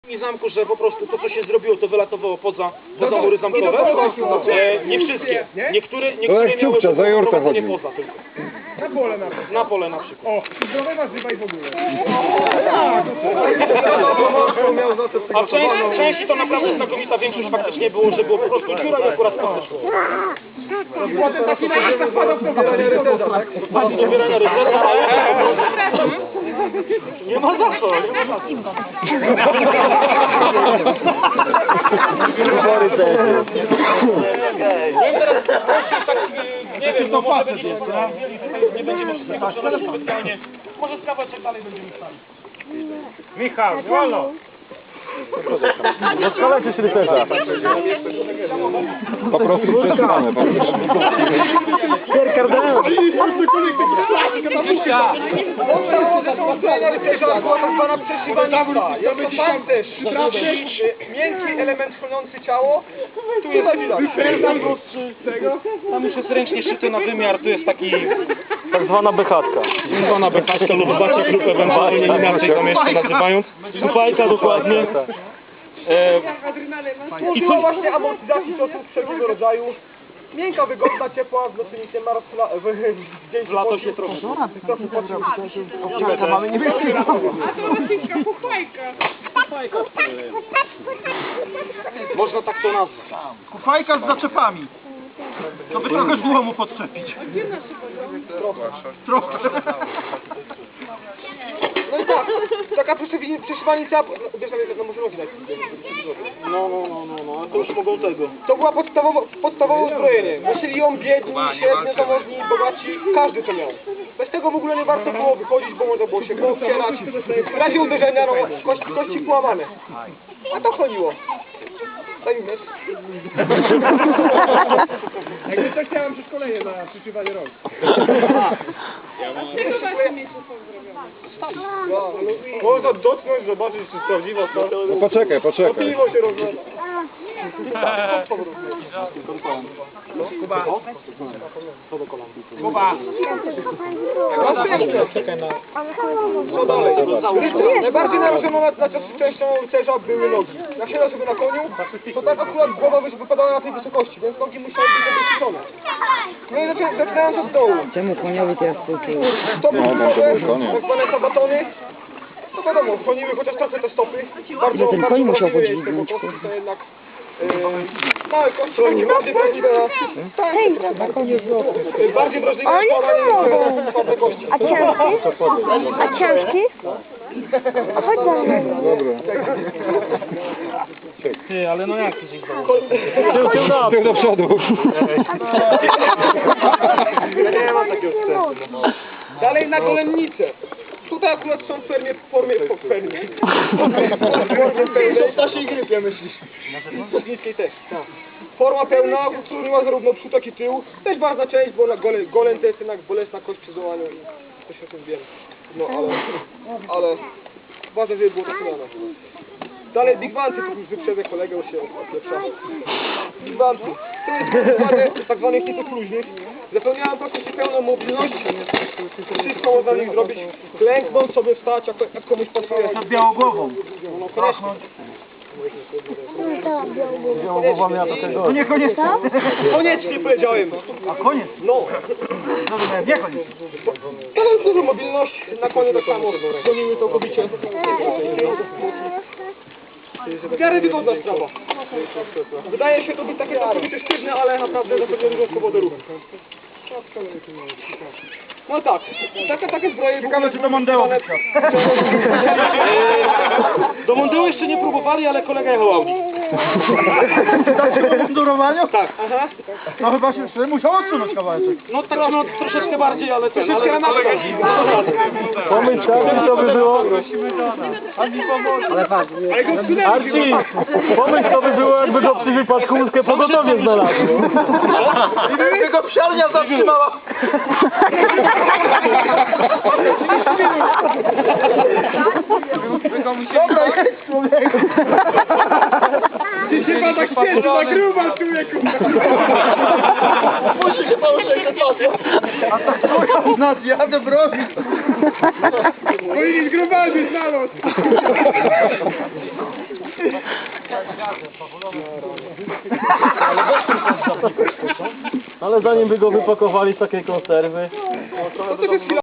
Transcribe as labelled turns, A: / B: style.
A: I zamku, że po prostu to, co się zrobiło, to wylatowało poza mury zamkowe. Nie wszystkie. Niektóre miały prowadzenie poza tylko.
B: Na pole na przykład.
A: Na pole na przykład.
B: O, zdrowe warzywa i w ogóle.
A: A w części to naprawdę znakomita większość faktycznie było, że było po prostu dziura i akurat to szło.
B: Potem taki najlepszy spadał w
A: Pobierania ryzyka, ale... Nie ma za co, nie ma za co. Nie wiem, no może będzie nie będziemy wszystkiego przenosić specjalnie. Może z kawałeczek dalej będziemy stali.
B: Michał, wolno.
C: Rozkolecie się rycerza. Po prostu przetrzymamy.
B: Miękki element chroniący ciało. Tu jest
A: Tam już jest ręcznie szyty na wymiar, tu jest taki...
C: Tak zwana bechatka.
A: Tak zwana bekaczka lub bacie lub ewentualnie inaczej to jeszcze nazywając. Supajka dokładnie.
B: I to właśnie amortyzacji ciosów wszelkiego rodzaju. Miękka, wygodna, ciepła, w nocy nic nie ma
A: W lato się trochę...
C: Mamy nie wiem.
A: Można tak to nazwać.
B: Kufajka z zaczepami. To by trochę złomu podczepić. Trochę. No i tak, taka przeszywanica, wiesz, no może robić
A: No, to już mogą tego.
B: To była podstawowe uzbrojenie. Nosili ją biedni, średnio zamożni, bogaci, każdy to miał. Bez tego w ogóle nie warto było wychodzić, bo można było się poobcierać. W razie uderzenia, no, kości połamane. A to chodziło. Daj mi wiesz. Jakby coś chciałem przeszkolenie na przyszywanie rąk. Można dotknąć, zobaczyć, czy prawdziwa stara.
C: No poczekaj.
B: Piwo się rozlewa. Kuba. Kuba. Co dalej? Najbardziej narażoną na częścią rycerza były nogi. Jak siedział sobie na koniu, to tak akurat głowa wypadała na tej wysokości, więc nogi musiały być zabezpieczone. No i zaczynając od dołu.
D: Czemu koniowi teraz współczuję?
B: Stopy tak zwane sabatony. No wiadomo, chroniły chociaż trochę te stopy. Bardzo,
D: ten koń musiał
B: wrażliwe jest
D: podźwignąć,
B: tego kości, to jednak małe kości, bardziej wrażliwe na...
D: Hej, na koniu złoto.
B: Bardziej wrażliwe na spadanie słabe kości.
E: A ciężki? A ciężki? A chodź za mną.
C: Dobra.
A: Ty, ale no jak to się
C: Tył do przodu.
B: Nie ma takiego wstępu. Dalej na golennicę. Tutaj akurat są w formie Stasiej Grypie myślisz? W niskiej też, tak. Forma pełna, utrudniła zarówno przód, jak i tył. Też ważna część, bo goleń to jest jednak bolesna kość przy złamaniu i to się o tym wiem. No ale ważne, żeby było tak miane. Dalej Big Banty, tu już wyprzedzę kolegę, już się odlepsza. Big Banty. To jest wykonane tak zwanych kitów luźnych. Zapewniają praktycznie pełną mobilność. Wszystko można w nich zrobić. Klęknąć sobie, wstać, jak komuś pasuje.
C: Nad białogłową.
B: No koniecznie.
C: Białogłowa miała takiego.
B: No niekoniecznie. Koniecznie powiedziałem.
C: A koniec?
B: No.
C: Nie koniec.
B: Ale dużo mobilność. Na koniec tak samo. Gonimy to kobicie. W miarę wygodna sprawa. Wydaje się to być takie całkowicie sztywne, ale naprawdę zapewnia dużo swobody ruchu. No tak, takie zbroje...
C: Ciekawe, czy to Mondeo
A: Do Mondeo jeszcze nie próbowali, ale kolega jechał Audi.
C: Tak się po mundurowaniu?
A: Tak.
B: Aha.
C: No chyba się musiał odsunąć kawałeczek.
A: No tak, no troszeczkę bardziej, ale ten, ale...
C: Pomyśl, co by było...
D: Ale patrz,
C: Arci, pomyśl, co by było, jakby go przy wypadku łódkę pogotowie znalazł. I gdyby go psiarnia zatrzymała. Dobra, jest człowieku.
B: Ty się pan tak śpieszy, na gruba, człowieku.
C: Musi się pan uszekać. A tak słuchaj, nas jadę bronić.
B: Powinien grubany znalazł.
C: Ale zanim by go wypakowali z takiej konserwy...
B: To też jest chwila